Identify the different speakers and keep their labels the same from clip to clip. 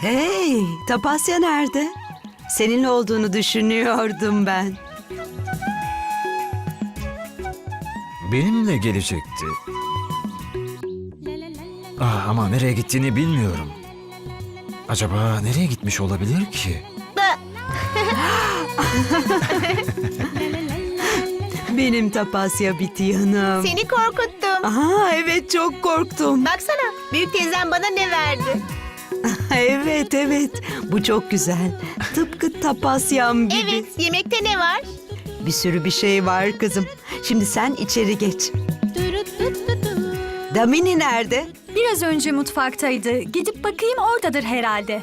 Speaker 1: Hey, Tapasya nerede? Seninle olduğunu düşünüyordum ben.
Speaker 2: Benimle gelecekti. Ama nereye gittiğini bilmiyorum. Acaba nereye gitmiş olabilir ki?
Speaker 1: Benim Tapasya Bitiyanım.
Speaker 3: Seni korkuttum.
Speaker 1: Aha, evet çok korktum.
Speaker 3: Baksana, büyük teyzem bana ne verdi?
Speaker 1: Evet, evet. Bu çok güzel. Tıpkı Tapasyam gibi.
Speaker 3: Evet, yemekte ne var?
Speaker 1: Bir sürü bir şey var kızım. Şimdi sen içeri geç. Damini nerede?
Speaker 4: Biraz önce mutfaktaydı. Gidip bakayım, oradadır herhalde.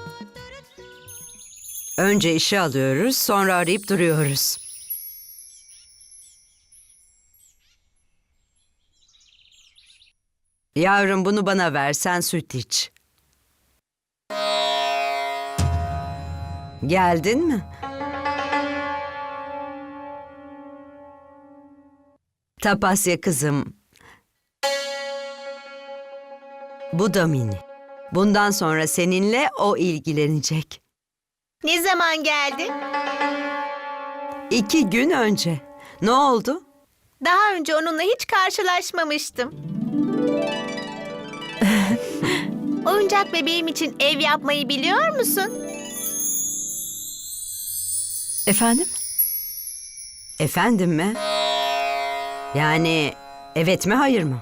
Speaker 1: Önce işe alıyoruz, sonra arayıp duruyoruz. Yavrum, bunu bana ver, sen süt iç. Geldin mi? Tapasya kızım. Bu Damini. Bundan sonra seninle o ilgilenecek.
Speaker 3: Ne zaman geldi?
Speaker 1: 2 gün önce. Ne oldu?
Speaker 3: Daha önce onunla hiç karşılaşmamıştım. Oyuncak bebeğim için ev yapmayı biliyor musun?
Speaker 4: Efendim?
Speaker 1: Efendim mi? Yani evet mi hayır mı?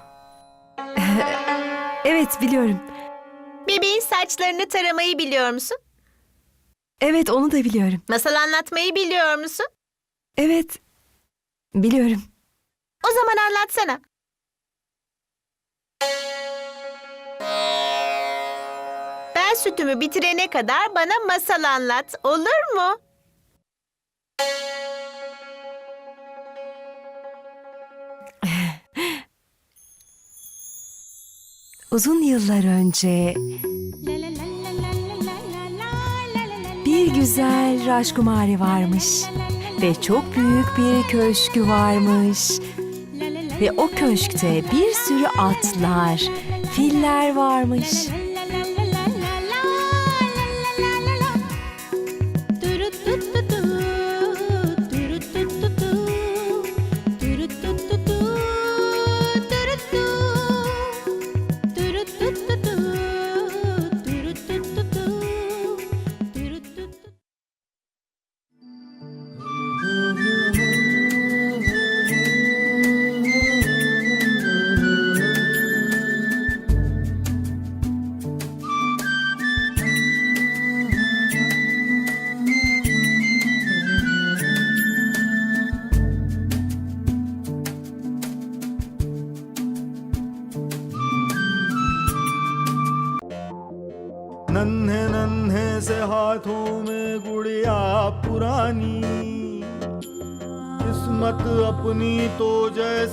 Speaker 4: Evet, biliyorum.
Speaker 3: Bebeğin saçlarını taramayı biliyor musun?
Speaker 4: Evet, onu da biliyorum.
Speaker 3: Masal anlatmayı biliyor musun?
Speaker 4: Evet, biliyorum.
Speaker 3: O zaman anlatsana. Ben sütümü bitirene kadar bana masal anlat, olur mu?
Speaker 4: Uzun yıllar önce bir güzel Rajkumari varmış ve çok büyük bir köşkü varmış. Ve o köşkte bir sürü atlar, filler varmış.
Speaker 5: नन्हे नन्हे से हाथों में गुड़िया पुरानी किस्मत अपनी तो जैसे